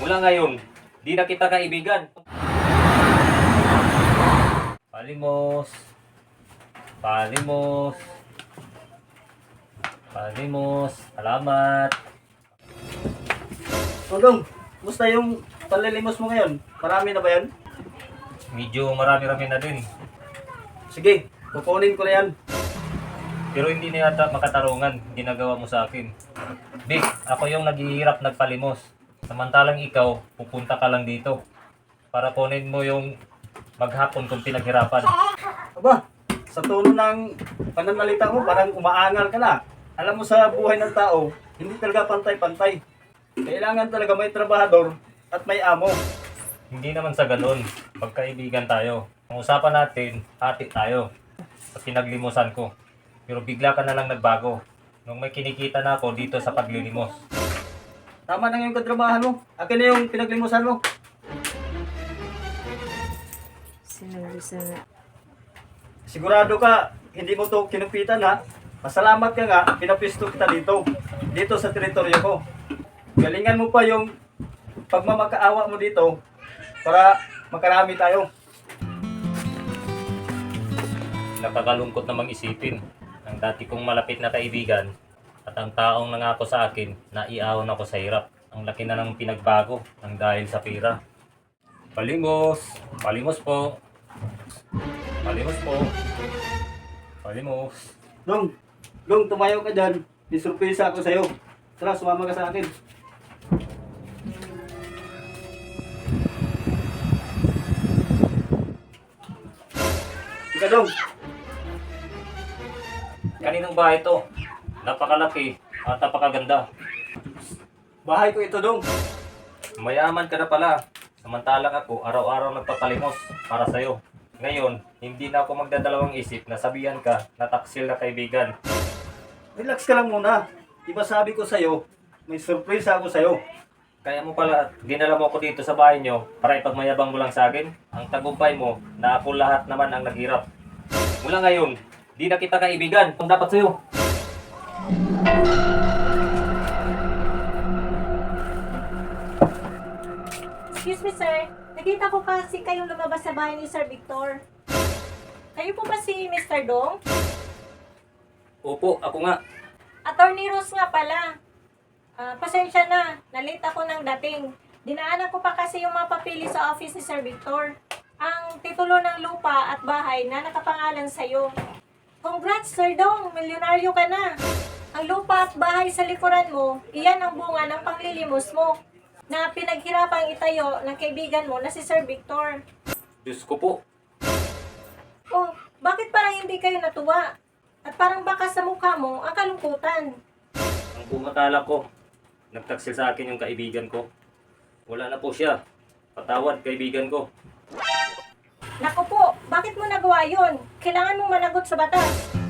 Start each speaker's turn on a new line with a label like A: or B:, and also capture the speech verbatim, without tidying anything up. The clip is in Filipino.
A: Mula ngayon, di na kita kaibigan. Palimos. Palimos. Palimos. Salamat.
B: Tolong, musta yung panlilimos mo ngayon? Marami na ba yan?
A: Medyo marami-rami na din.
B: Sige, kukunin ko na yan.
A: Pero hindi na yata makatarungan ginagawa mo sa akin. Vic, ako yung naghihirap nagpalimos. Samantalang ikaw, pupunta ka lang dito. Para kunin mo yung maghapon kung pinaghirapan.
B: Aba, sa tono ng pananalita mo, parang umaangal ka na. Alam mo sa buhay ng tao, hindi talaga pantay-pantay. Kailangan talaga may trabahador at may amo.
A: Hindi naman sa ganun. Pagkaibigan tayo. Ang usapan natin, hati tayo. Sa pinaglimusan ko. Pero bigla ka na lang nagbago. Nung may kinikita na ako dito sa paglilimos.
B: Tama na yung katrabahan mo. Akin na yung pinaglimusan mo.
C: Sinabi sana.
B: Sigurado ka, hindi mo to kinupitan ha. Masalamat ka nga, pinapisto kita dito. Dito sa teritoryo ko. Galingan mo pa yung pagmamakaawa mo dito para makarami tayo.
A: Nakakalungkot namang isipin. Ang dati kong malapit na kaibigan at ang taong nangako sa akin na iahon ako sa hirap. Ang laki na ng pinagbago ng dahil sa pera. Palimos! Palimos po! Palimos po! Palimos!
B: Dong, Dong, tumayo ka dyan. May surpresa ako sa'yo. Tara, sumama ka sa akin. Ika, Dong.
A: Kaninong bahay ito? Napakalaki at napakaganda.
B: Bahay ko ito, Dong.
A: Mayaman ka na pala. Samantalang ako, araw-araw nagpapalimos para sa'yo. Ngayon, hindi na ako magdadalawang isip na sabihan ka na taksil na kaibigan.
B: Relax ka lang muna. Diba sabi ko sa'yo, may surpresa ako sa'yo.
A: Kaya mo pala, dinala mo ako dito sa bahay nyo para ipagmayabang mo lang sa akin. Ang tagumpay mo na ako lahat naman ang naghirap. Mula ngayon, di na kita kaibigan. Kung dapat sa'yo.
C: Excuse me, sir. Nakita ko kasi kayong lumabas sa bahay ni Sir Victor. Kayo po ba si Mister Dong?
A: Opo, ako nga.
C: Attorney Rose nga pala. Ah, pasensya na. Nalate ako ng dating. Dinaanan ko pa kasi yung mga papili sa office ni Sir Victor. Ang titulo ng lupa at bahay na nakapangalan sa'yo. Congrats, Sir Dong! Milyonaryo ka na! Ang lupa at bahay sa likuran mo, iyan ang bunga ng panglilimos mo na pinaghirapang itayo ng kaibigan mo na si Sir Victor.
A: Diyos ko po.
C: Oh, bakit parang hindi kayo natuwa? At parang baka sa mukha mo ang kalungkutan.
A: Ang pumatala ko, nagtaksil sa akin yung kaibigan ko. Wala na po siya. Patawad, kaibigan ko.
C: Naku po, bakit mo nagawa yun? Kailangan mong managot sa batas.